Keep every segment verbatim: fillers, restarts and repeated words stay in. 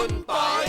คุณปอย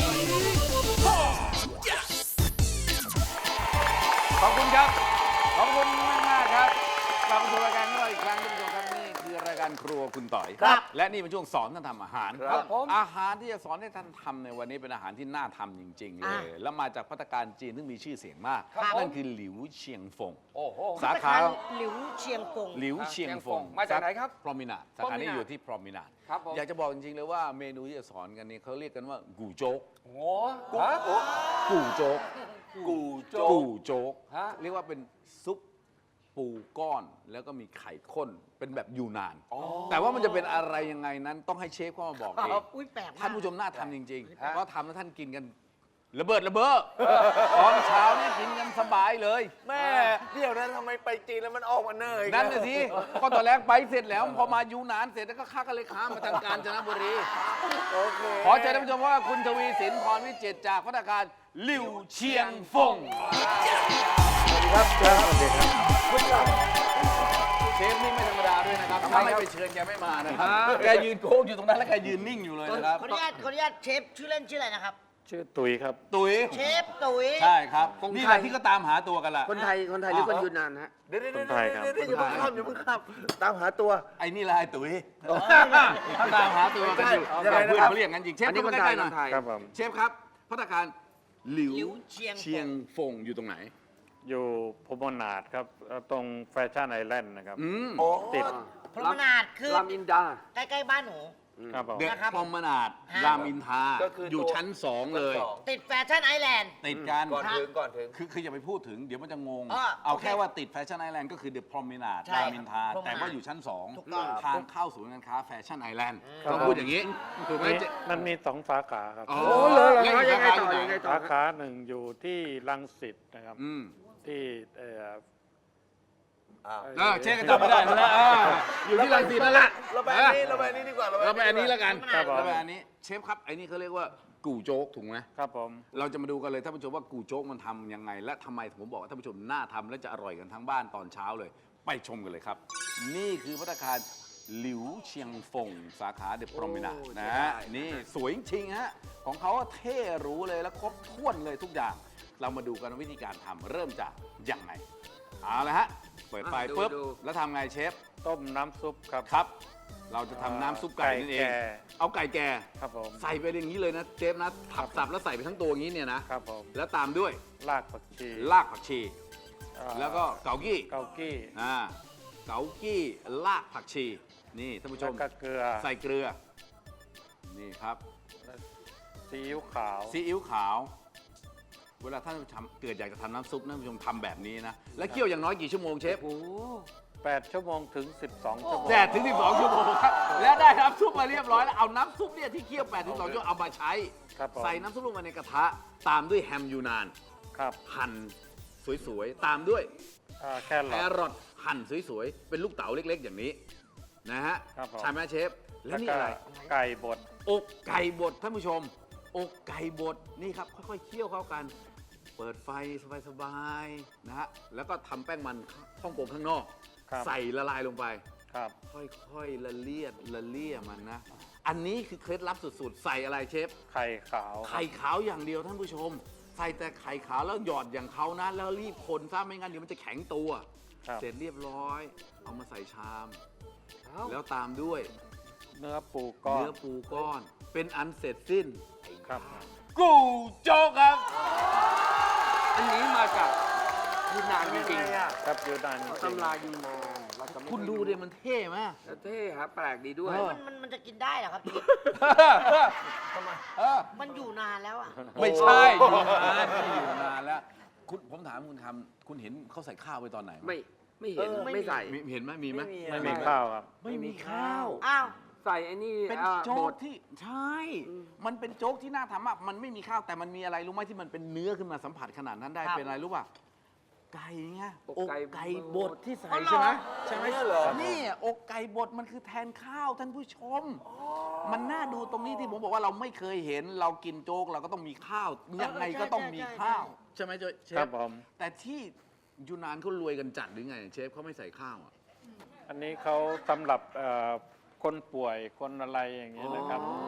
ขอบคุณครับขอบคุณมากมากครับกลับมาสู่รายการของเราอีกครั้งท่านผู้ชมครับนี่คือรายการครัวคุณต่อยครับและนี่เป็นช่วงสอนท่านทำอาหารครับอาหารที่จะสอนให้ท่านทำในวันนี้เป็นอาหารที่น่าทำจริงๆเลยแล้วมาจากภัตตาคารจีนซึ่งมีชื่อเสียงมากนั่นคือหลิวเชียงฟงสาขาหลิวเชียงฟงหลิวเชียงฟงมาจากไหนครับพรอมินาสาขานี้อยู่ที่พรอมินาอยากจะบอกจริงๆเลยว่าเมนูที่จะสอนกันนี้เขาเรียกกันว่ากูโจ๊กโอ้โหกูโจ๊กกูโจ๊กกูโจ๊กฮะเรียกว่าเป็นซุปปูก้อนแล้วก็มีไข่ข้นเป็นแบบยูนาน แต่ว่ามันจะเป็นอะไรยังไงนั้นต้องให้เชฟเข้ามาบอกเองอุ้ยแปลกมากท่านผู้ชมน่าทำจริงๆเพราะทำแล้วท่านกินกันระเบิดระเบ้อตอนเช้าเนี่ยกินกันสบายเลยแม่เดี๋ยวนั้นทำไมไปจีนแล้วมันออกมาเนยนั่นน่ะสิก็ตอนแรกไปเสร็จแล้วพอมายูนานเสร็จแล้วก็ข้ากันเลยข้ามมาทางกาญจนบุรีโอเคขอเชิญท่านผู้ชมว่าคุณทวีสินพรวิจิตรจากภัตตาคารหลิวเชียงฟงครับครับสวัสดีครับเชฟนี่ไม่ธรรมดาด้วยนะครับถ้าไม่ไปเชิญแกไม่มานะครับแกยืนโค้งอยู่ตรงนั้นแล้วแกยืนนิ่งอยู่เลยนะครับขออนุญาตขออนุญาตเชฟชื่อเล่นชื่ออะไรนะครับชื่อตุ๋ยครับตุ๋ยเชฟตุ๋ยใช่ครับนี่แหละที่ก็ตามหาตัวกันล่ะคนไทย คนไทยหรือคนยูนนานฮะเดี๋ยวเดี๋ยวคนไทยครับเดี๋ยวอย่าเพิ่งข้ามอย่าเพิ่งข้ามตามหาตัวไอ้นี่แหละไอ้ตุ๋ยเขาตามหาตัวกันอยู่ยังไงเพื่อนนะครับเขาเรียกกันจริงเชฟอันนี้เข้าคนมาไทใกยล้ๆหน่คอยนไทยครับผมเชฟครับภัตตาคารหลิวหลิวเชียงฟงเชียงฟงอยู่ตรงไหนอยู่พมนาดครับเอ่อตรงแฟชั่นไอแลนด์นะครับอืมโอ้ติดพรหมนาดคือรามอินดาใกล้ๆบ้านหนูครับผมเด็กนะครับพรหมนาดรามอินทราก็คืออยู่ชั้นสองเลยชั้นสองติดแฟชั่นไอแลนด์ติดกันก่อนถึงก่อนถึงคือคืออย่าไปพูดถึงเดี๋ยวมันจะงงอ่าเอาโอเคแค่ว่าติดแฟชั่นไอแลนด์ก็คือเดอะพรอมินาดใช่รามอินทราพรหมนาดแต่ว่าอยู่ชั้นสองถูกต้องทางเข้าศูนย์การค้าแฟชั่นไอแลนด์ครับต้องพูดอย่างนี้ถูกไหมมีเจ๊มันมีสองสาขาครับอ๋อโอ้เลยเหรอแล้วยังไงต่อสาขายังไงหนต่อสาขาหนึ่งอยู่ที่รังสิตนะครับอืมที่เอ่ออ่าเออเช็คกันจำไม่ได้แล้วนะอ่าอยู่ที่รังสิตนั่นแหละเราไปอันนี้เราไปอันนี้ดีกว่าเราไปอันนี้แล้วกันครับผมเราไปอันนี้เชฟครับไอ้นี่เขาเรียกว่ากู่โจ๊กถูกไหมครับผมเราจะมาดูกันเลยท่านผู้ชมว่ากู่โจ๊กมันทำยังไง และทำไมผมบอกว่าท่านผู้ชมน่าทำและจะอร่อยกันทั้งบ้านตอนเช้าเลย ไปชมกันเลยครับ นี่คือภัตตาคารหลิวเชียงฟงสาขาเดอะพรอมินานะฮะนี่สวยจริงๆฮะของเขาเท่หรู้เลยและครบถ้วนเลยทุกอย่าง เรามาดูกันวิธีการทำเริ่มจากยังไงเอาละฮะเปิดไฟอ่ะดูปุ๊บดูแล้วทำไงเชฟต้มน้ำซุปครับครับ เราจะทำน้ำซุปไก่นั่นเองไก่แก่เอาไก่แก่ครับผมใส่ไปอย่างนี้เลยนะเชฟนะถับสับแล้วใส่ไปทั้งตัวอย่างนี้เนี่ยนะครับผมแล้วตามด้วยรากผักชีรากผักชีเอ่อแล้วก็เกากี้เกากี้อ่าเกากี้รากผักชี นี่ท่านผู้ชแล้วมก็เกลือใส่เกลือ นี่ครับซีอิ๊วขาวซีอิ๊วขาว เวลาท่านทำเกิดอยากจะทำน้ำซุปนะท่านผู้ชมทำแบบนี้นะ แล้วเคี่ยวอย่างน้อยกี่ชั่วโมงเชฟแปดชั่วโมงถึงสิบสองชั่วโมงแปดถึงสิบสองชั่วโมงครับ แล้วได้น้ำซุปมาเรียบร้อยแล้ว เอาน้ำซุปเนี่ยที่เคี่ยวแปดถึงสิบสองชั่วโมงเอามาใช้ครับผมใส่น้ำซุปลงมาในกระทะ ตามด้วยแฮมยูนานครับหั่นสวยๆ ตามด้วยเอ่อแคแครอทรอทหั่นสวยๆ เป็นลูกเต๋าเล็กๆ อย่างนี้นะฮะครับผมใช่ไหมเชฟ แล้แล้ว วนี่ก็อะไรไก่บดอกไก่บดท่านผู้ชม อกไก่บดนี่ครับค่อยๆเคี่ยวเข้ากัน เปิดไฟสบายๆนะฮะแล้วก็ทำแป้งมันข้องโกงข้างนอกครับใส่ละลายลงไปครับค่อยๆละเลียดละเลี่ยมันนะ อันนี้คือเคล็ดลับสุดๆ ใส่อะไรเชฟไข่ขาวไข่ขาวอย่างเดียวท่านผู้ชม ใส่แต่ไข่ขาวแล้วหยอดอย่างเขานะ แล้วรีบคนซะไม่งั้นเดี๋ยวมันจะแข็งตัวครับเสร็จเรียบร้อย เอามาใส่ชาม แล้วตามด้วยเนื้อปูก้อนเนื้อปูก้อน เป็นอันเสร็จสิ้นครับกูโจ๊กครับอันนี้มาจากยูนนานจริงครับยูนานๆจริงตำรายูนนานเราจะไม่คุณดูดิมันเท่ไหมแล้วเท่ครับแปลกดีด้วยเออมันมันมันจะกินได้เหรอครับพี่เออมันอยู่นานแล้วอ่ะไม่ใช่อยู่นานไม่อยู่นานแล้วคุณผมถามคุณทำคุณเห็นเขาใส่ข้าวไปตอนไหนไม่ไม่เห็นเออไม่ไม่ใส่มีเห็นไหมมีไหมไม่มีข้าวครับไม่มีข้าวอ้าวใส่ไอ้นี่เป็นอ่าโจ๊บกดที่ใช่ มันเป็นโจ๊กที่น่าทำมาก มันไม่มีข้าวแต่มันมีอะไรรู้ไหมที่มันเป็นเนื้อขึ้นมาสัมผัสขนาดนั้นได้ครับเป็นอะไรรู้ป่ะ ไก่ไงอกอกไก่ไก่บดที่ใส่อ๋อเหรอใช่ไหมใช่ไหมเหรอนี่อกไก่บดมันคือแทนข้าวท่านผู้ชม มันน่าดูตรงนี้ที่ผมบอกว่าเราไม่เคยเห็นเรากินโจ๊กเราก็ต้องมีข้าวยังไงก็ต้องมีข้าว ใช่ไหมเชครัฟบผมแต่ที่ยูนานเขารวยกันจัดหรือไงเชฟเขาไม่ใส่ข้าวอ่ะอันนี้เขาสำหรับเอ่อคนป่วยคนอะไรอย่างนี้ยนะครับอ๋อ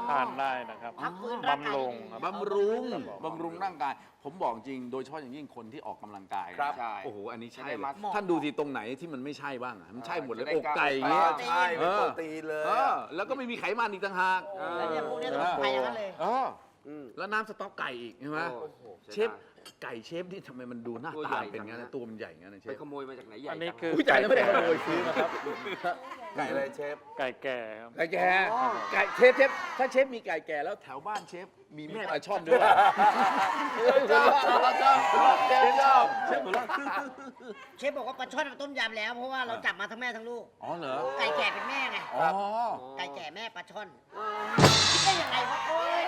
ทานได้นะครับพักฟื้นร่างกายบำรุงครับบำรุงครับผมบำรุงร่างกาย ผมบอกจริง โดยเฉพาะอย่างยิ่งคนที่ออกกำลังกายนะครับใช่โอ้โห อันนี้ใช่จะได้เลยมาท่านดูทีตรงไหนที่มันไม่ใช่บ้างอะมันใช่หมดเลยจะได้อกไก่กล้ามเงี้ยใช่เป็นโปรตีนเลยเออแล้วก็ไม่มีไขมันอีกต่างหากแล้วเนี่ยพวกเนี้ยต้องไปอย่างนั้นเลยเอออืมแล้วน้ำสต๊อกไก่อีกใช่ไหมโอ้โหเชฟไก่เชฟนี่ทำไมมันดูหน้าตัวตาใหญ่เป็นงั้นจังนะนะตัวมันใหญ่งั้นนะเชไปฟขโมยมาจากไหนใหญ่อันนี้จังคือผู้ใหญ่ไม่ได้ขโมยซื้อนะครับไก่อะไรเชฟไก่แก่ครับไก่แก่ไก่เชฟเชฟถ้าเชฟมีไก่แก่แล้วแถวบ้านเชฟมีแม่ปลาช่อนด้วยชอบชอบชอบเชฟชอบเชฟหัวเราะเชฟบอกว่าปลาช่อนมันต้มยำแล้ว เพราะว่าเราจับมาทั้งแม่ทั้งลูกอ๋อเหรอไก่แก่เป็นแม่ไงอ๋อไก่แก่แม่ปลาช่อนคิดได้ยังไงวะโอ้ย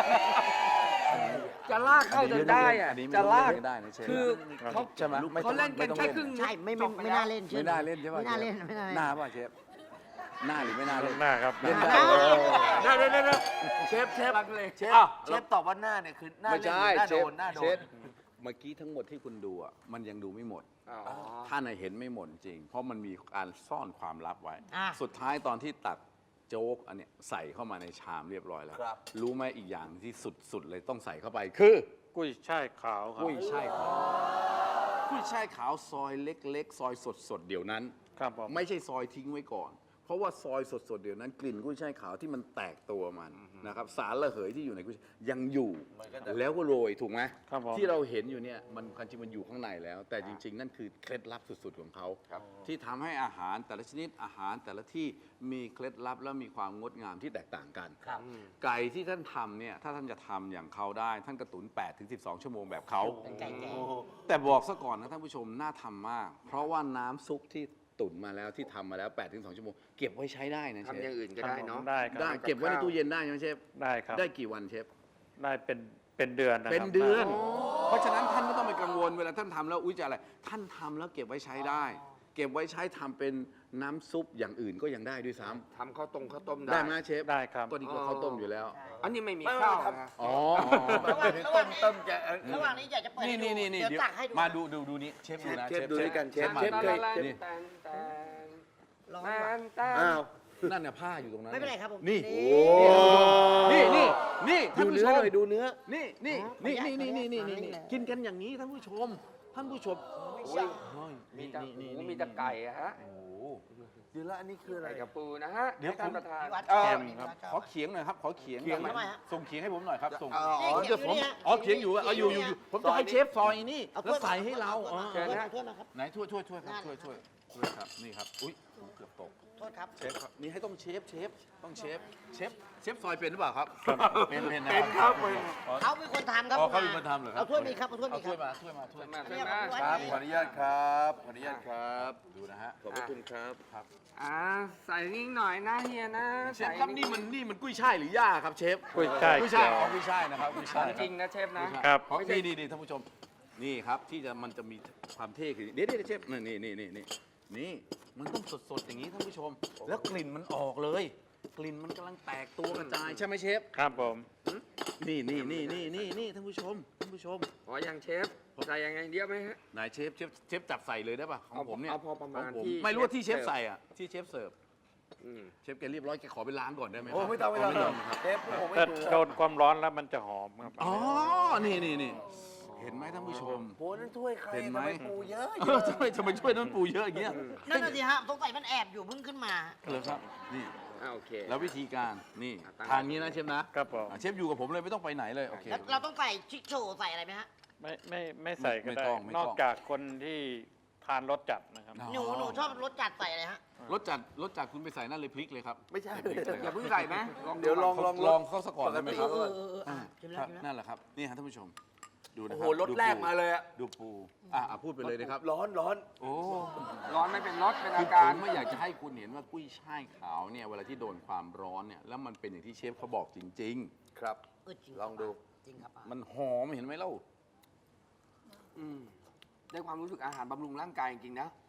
จะลากเข้าจนได้อะอันนี้ไม่จะลากไม่ได้นะเชฟคือเขาใช่ไหมไม่เขาเล่นกันไม่ต้องแค่เล่นครึ่งใช่ไม่ไม่ไม่น่าเล่นไม่น่าเล่นใช่ป่ะไม่น่าเล่นไม่น่าเล่นหน้าป่ะเชฟหน้าหรือไม่น่าเล่นหน้าครับเล่นหได้น้าได้ได้ได้เชฟเชฟลังเลยเชฟอ้าวเชฟตอบว่าหน้าเนี่ยคือหน้าไม่เล่นใช่หรือหน้าเชโดฟนหน้าโดเชนฟเมื่อกี้ทั้งหมดที่คุณดูอ่ะมันยังดูไม่หมดอ๋อท่านน่ะเห็นไม่หมดจริง เพราะมันมีการซ่อนความลับไว้อ่ะสุดท้ายตอนที่ตักโจ๊กอันเนี้ยใส่เข้ามาในชามเรียบร้อยแล้วครับรู้ไหมอีกอย่างที่สุดๆเลยต้องใส่เข้าไปคือกุ้ยช่ายขาวครับกุ้ยช่ายขาวกุ้ยช่ายขาวซอยเล็กๆ ซอยสดๆเดี๋ยวนั้นครับผมไม่ใช่ซอยทิ้งไว้ก่อน เพราะว่าซอยสดๆเดี๋ยวนั้นกลิ่นกุ้ยช่ายขาวที่มันแตกตัวมันนะครับสารระเหยที่อยู่ในกุ้ยช่ายยังอยู่มันก็จะแล้วก็โรยถูกไหมครับผมที่เราเห็นอยู่เนี่ยมันความจริงมันอยู่ข้างในแล้ว แต่จริง ๆ นั่นคือเคล็ดลับสุดๆของเขาครับที่ทำให้อาหารแต่ละชนิดอาหารแต่ละที่มีเคล็ดลับและมีความงดงามที่แตกต่างกันครับไก่ที่ท่านทำเนี่ยถ้าท่านจะทำอย่างเขาได้ท่านกระตุนแปดถึงสิบสองชั่วโมงแบบเขาเป็นไก่แก่แต่บอกซะก่อนนะท่านผู้ชมน่าทำมาก เพราะว่าน้ำซุปที่ตุ๋นมาแล้วที่ทำมาแล้วแปดถึงสองชั่วโมงเก็บไว้ใช้ได้นะเชทำอย่างฟอื่นก็ได้เนาะได้ครับได้เก็บไว้ในตู้เย็นได้ใช่ไหมเชฟได้ครับได้กี่วันเชฟได้เป็นเป็นเดือนนะครับเป็นเดือน เพราะฉะนั้นท่านไม่ต้องไปกังวลเวลาท่านทำแล้วอุ้ยจะอะไร ท่านทำแล้วเก็บไว้ใช้ได้ เก็บไว้ใช้ทำเป็นน้ำซุปอย่างอื่นก็ยังได้ด้วยซ้ทำข้าวต้มข้าวต้มำได้ได้ไหมเชฟได้ครับก็ดีกว่าข้าวต้มอยู่แล้วอันนี้ไม่มีไม่ข้าวไม่ครับนะอ๋อระหว่างระหต้ว่างมนี้ต้มจะระหว่างนี้อยากจะเปิดนี่ให้นี่นี่นี่เดี๋ยวตักให้ดูมาดูดูดูนี่เชฟดูนะเชฟดูด้วยกันเชฟมาเชฟดูเคยนี่แตนแตนร้อนแตว่ะนแตนอ้าวนั่นน่ะผ้าอยู่ตรงนั้นไม่เป็นไรครับผมนี่นี่นี่นี่นี่ท่าดูนผู้เนื้ชอมหน่อยดูเนื้อนี่นี่อ๋อนี่ขออนี่นุญาตนี่นี่ขออนุนี่ญาตนี่กินกันอย่างนี้ท่านผู้ชม ท่านผู้ชมใช่เฮ้ยมีแต่นี่หมูนี่มีแต่ไก่อะฮะโอ้โหเดี๋ยวแล้วอันนี้คืออะไรไก่กับปูนะฮะเดี๋ยวให้ท่านประธานพี่วัดเอ่อชอบพี่วัดชขออบ เขียงหน่อยครับ ขอเขียงเขียงหน่อทำไมฮะส่งเขียงให้ผมหน่อยครับ ส่งอ๋ออ๋อเขียงเดี๋ยวผมอยู่นี่ฮะอ๋อเขียงอยู่อะเอาอยู่อยู่เขียงอยู่อยู่ผมจะให้เชฟซอยนี่เอาแล้วใส่ให้เราถ้วยเออมาถ้วยมาครับไหนถ้วยถ้วยถ้วยครับถ้วยถ้วยถ้วยครับ นี่ครับ อุ้ยเกือบตกโทษครับเชฟครับ นี่ให้ต้องเชฟเชฟ ต้องเชฟ เชฟ เชฟซอยเป็นหรือเปล่าครับ เป็นเป็นนะเป็นครับเป็นเขาเป็นคนทำครับอ๋อเขาเป็นคนทำเหรอครับเอาถ้วยมีครับเอาถ้วยเอามีคถ้รัวยบมาถ้วยมาถ้วยมาใช่เนี่ยไหมพี่วัดครับนี่ขออนุญาตครับขออนุญาตครับดูนะฮะขอบพระคุณครับครับอ่าใส่นิดหน่อยนะเฮียนะเชฟครับนี่มันนี่มันกุ้ยช่ายหรือหญ้าครับเชฟกุ้ยช่ายกุ้ยช่ายเขียวอ๋อกุ้ยช่ายนะครับกุ้ยขช่าอย งจริงนะเชฟนะครับเพราะนี่นี่นี่ท่านผู้ชม นี่ครับที่จะมันจะมีความเท่คือเดี๋ยวเดี๋ยวเชฟนี่นี่นี่นี่นี่มันต้องสดๆอย่างนี้ท่านผู้ชม แล้วกลิ่นมันออกเลย กลิ่นมันกำลังแตกตัวกระจายใช่ไหมเชฟครับผมนี่นี่นี่นี่นี่นี่ท่านผู้ชมท่านผู้ชมขอยังเชฟใส่ยังไงเดียวไหมฮะนายเชฟเชฟเชฟจับใส่เลยได้ป่ะของผมเนี่ยเอาพอประมาณของผมที่ไม่รู้ว่าที่เชฟเชฟเสิร์ฟใส่อ่ะที่เชฟเสิร์ฟอืมเชฟแกเรียบร้อยแกขอไปล้างก่อนได้ไหมโอ้ไม่ต้องไม่ต้องไม่ต้องครับเชฟผมไม่ถ้าดูโดนความร้อนแล้วมันจะหอมครับอ๋อนี่นี่นี่เห็นไหมท่านผู้ชมโหนั่นถ้วยใครเห็นไหมทำไมปูเยอะเออทำไมทำไมช่วยน้ำปูเยอะอย่างเงี้ยนั่นน่ะสิฮะสงสัยมันแอบอยู่เพิ่งขึ้นมาเลยครับนี่อ่าโอเคแล้ววิธีการนี่อ่ะตั้งทานงี้นะเชฟนะครับผมอ่ะเชฟอยู่กับผมเลยไม่ต้องไปไหนเลยโอเคแล้วเราต้องใส่ชิคโชว์ใส่อะไรไหมฮะไม่ไม่ไม่ใส่ก็ไม่ได้ต้องไม่ต้องนอกจากคนที่ทานรสจัดนะครับอ๋อหนูหนูชอบรสจัดใส่อะไรฮะรสจัดรสจัดคุณไปใส่นั่นเลยพริกเลยครับไม่ใช่พริกเลยอคย่ารับเพิ่งใส่ไหมเดี๋ยวลองลองลองเข้าซะก่อนได้ไหมครับเออเออเอออ่ะอ่าชิมคแล้วรับชิมแล้วนั่นแหละครับนี่ฮะท่านผู้ชม ดูนะโอ้คโหรับรถแรกมาเลยอะดูปูอ่ะอ่ะพูดไปเลยนะครับร้อนร้อนโอ้ร้อนไม่เป็นรสเป็นคือาอผการมไม่อยากจะให้คุณเห็นว่ากุ้ยช่ายขาวเนี่ยเวลาที่โดนความร้อนเนี่ยแล้วมันเป็นอย่างที่เชฟเขาบอกจริงครับเออจริงลองดูจริงครับป้าๆ มันหอมเห็นไหมเล่าอืมได้ความรู้สึกอาหารบำรุงร่างกายจริงๆนะ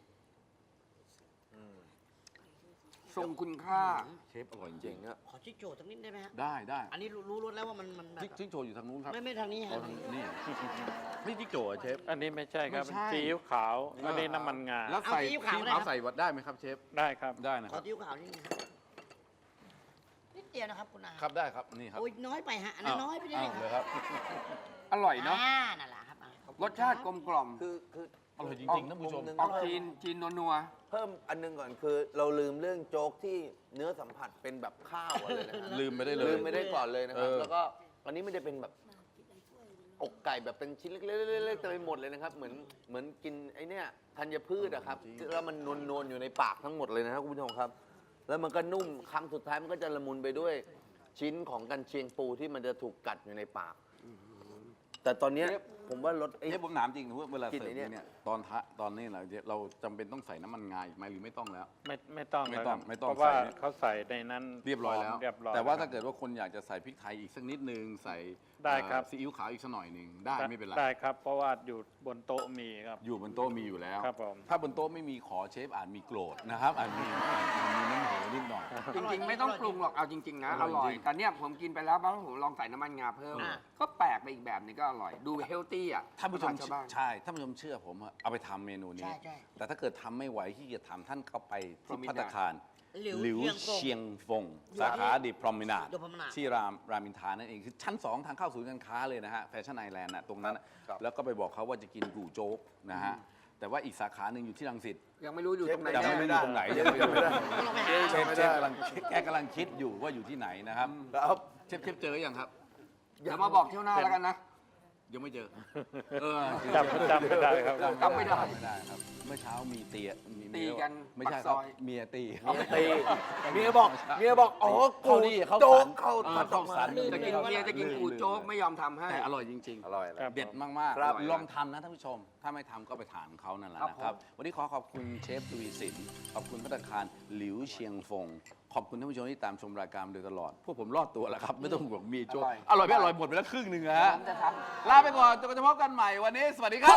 ทรงคุณค่าเชฟอร่อยจจริริงงอะขอชิคโชว์สักนิดได้ไหมฮะได้ได้อันนี้รู้รู้รสแล้วว่ามันมันแบบจิ๊กจิ๊กโจอยู่ทางนู้นครับไม่ไม่ทางนี้เอาฮะทางนี่ไม่จิ๊กโจอ่ะเชฟอันนี้ไม่ใช่ครับไม่ใช่ซีอิ๊วขาว อันนี้น้ำมันงาแล้วใส่ซีอิ๊วขาวใส่วัดได้ไหมครับเชฟได้ครับได้นะขคอรับติ้วขาวนิดนึงนิดเดียวนะครับคุณอาครับได้ครับนี่ครับโอ้ยน้อยไปฮะอันนั้นน้อยไปนิดอ้านึวงเลยครับครับอร่อยเนาะอ่านั่นแหละครับอ่ะขอบคุณรสชาติกลมกล่อมคือคืออร่อยจริงๆท่านผู้ชมมุมหนึ่งออกจีนจีนนัวเพิ่มอันหนึงก่อนคือ เราลืมเรื่องโจ๊กที่เนื้อสัมผัสเป็นแบบข้าวอะไรนะครับลืมไปได้เลยลืมไม่ได้ก่อนเลยนะครับเออแล้วก็อันนี้ไม่ได้เป็นแบบอกไก่แบบเป็นชิ้นเล็กๆๆๆเต็มไปหมดเลยนะครับ เหมือนเหมือนกินไอ้เนี่ยธัญพืชอะครับแล้วมันนวลๆอยู่ในปากทั้งหมดเลยนะครับคุณผู้ชมครับ แล้วมันก็นุ่มคำสุดท้ายมันก็จะละมุนไปด้วยชิ้นของกันเชียงปูที่มันจะถูกกัดอยู่ในปาก แต่ตอนเนี้ยผมว่ารสไอ้เอ้ยผมถามจริงนะว่าเวลากินเสิร์ฟไอ้เนี่ยเนี่ยตอนทะตอนนี้เราเราจำเป็นต้องใส่น้ำมันงาอีกไหมหรือไม่ต้องแล้วไม่ไม่ต้องไม่แล้วต้องครับไม่ต้องเพราะว่าใส่เนี่ยเขาใส่ในนั้นเรียบร้อยแล้วเรียบร้อยแต่ว่าล้ถ้าครับเกิดว่าคนอยากจะใส่พริกไทยอีกสักนิดนึงใส่ได้ครับเอ่อซีอิ๊วขาวอีกสักหน่อยหนึ่งได้ไม่เป็นไรได้ครับ เพราะว่าอยู่บนโต๊ะมีครับอยู่บนโต๊ะมีอยู่แล้วครับผมถ้าบนโต๊ะไม่มีขอเชฟอาจมีโกรธนะครับอาจมีอาจมีน้ำเหวนิดหน่อยๆ จริง ๆ ไม่ต้องปรุงหรอกเอาจริง ๆ นะออร่ร่ออย ยจริงแต่เนี่ยผมกินไปแล้วบ้างผมลองใส่น้ำมันงาเพิ่มอ่าก็แปลกไปอีกแบบนึงก็อร่อย ดูเฮลตี้อ่ะท่านผู้ชมชาวบ้านใช่ท่านผู้ชมเชื่อผมอะเอาไปทำเมนูนี้ใช่ใช่แต่ถ้าเกิดทำไม่ไหวที่จะทำท่านก็ไปที่ Promenade ภัตตาคารหลิวหลิวเชียงฟงเชียงฟง สาขาดิพรอมินาด The Promenade ที่รามรามอินทรานั่นเองคือชั้น สอง ทางเข้าศูนย์การค้าเลยนะฮะแฟชั่นไอแลนด์นะตรงนั้นน่ะครับแล้วก็ไปบอกเขาว่าจะกินกู่โจ๊กนะฮะแต่ว่าอีกสาขาหนึ่งอยู่ที่รังสิตยังไม่รู้อยู่ตรงไหนยังแน่ไม่รู้อยู่ตรงไหนยังไม่รู้ก็ลองไปหาเชฟเชฟกำลังแกกำลังคิดอยู่ว่าอยู่ที่ไหนนะครับครับเชฟเชฟเจอยังครับเดี๋ยวมาบอกเที่ยวหน้าแล้วกันนะยังไม่เจอเออจำจำไม่ได้ครับจำไม่ได้ไม่ได้ครับ เมื่อเช้ามีเตียมีตีกันไม่ใช่ปากคซรับอยเมียตีเมียตีเมียบอกเมียบอกอ๋อเขาดีเขาโจ๊สักนเข้าเออตัดอเข้าอกมาสันจะกินเมียจะกินกูโจ๊กไม่ยอมทำให้แต่อร่อยจริงอร่อยแล้วครับๆ เด็ดมากครับๆ ลองทำนะท่านผู้ชม ถ้าไม่ทำก็ไปถามเขานั่นแหละครับนะครับผมวันนี้ขอขอบคุณเชฟทวีสินขอบคุณพัตตาคารหลิวเชียงฟง ขอบคุณท่านผู้ชมที่ตามชมรายการมาโดยตลอด พวกผมรอดตัวแล้วครับ ไม่ต้องห่วงมีโจ๊กอร่อยไม่อร่อยหมดไปแล้วครึ่งหนึ่งอะฮะผมจะทำลาไปก่อนจนกว่าจะพบกันใหม่วันนี้ สวัสดีครับ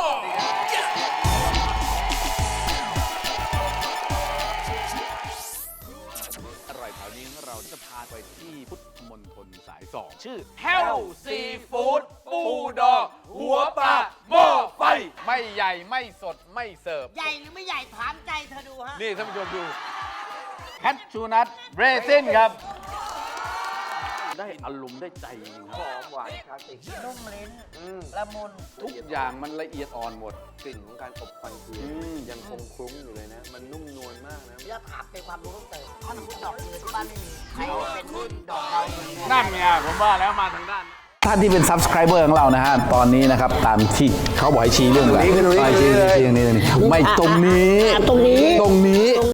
อร่อยแถวนี้เราจะพาไปที่พุทธมณฑลสายสองชื่อ Hell Seafood ปูดองหัวปลาหม้อไฟ ไม่ใหญ่ไม่สดไม่เสิร์ฟใหญ่หรือไม่ใหญ่ถามใจเธอดูฮะนี่ท่านผู้ชมดูแคทชูนัทเรซินครับ ได้อารมณ์ได้ใจจริงๆคหรับอมหวานคลาสสิกนุ่มลิ้นอืมละมุนทุกอย่างมันละเอียดอ่อนหมดกลิ่นของการอบควันเทียนอืมยังคงคลุ้งอยู่เลยนะ มันนุ่มนวลมากนะแล้วถามเป็นความรู้เพิ่มเติมถ้าสมมติดอกเรือที่บ้านไม่มีใครเป็นดอกเราเรืนั่นไงผมว่าแล้วมาทางด้าน ท่านที่เป็น subscriber ของเรานะฮะ ตอนนี้นะครับ ตามที่เขาบอกให้ชี้เรื่องอะไรตรงนี้คือตรงนี้ชี้เลยชี้ตรงนี้ไม่ตรงนี้อ่ะตรงนี้ตรงนี้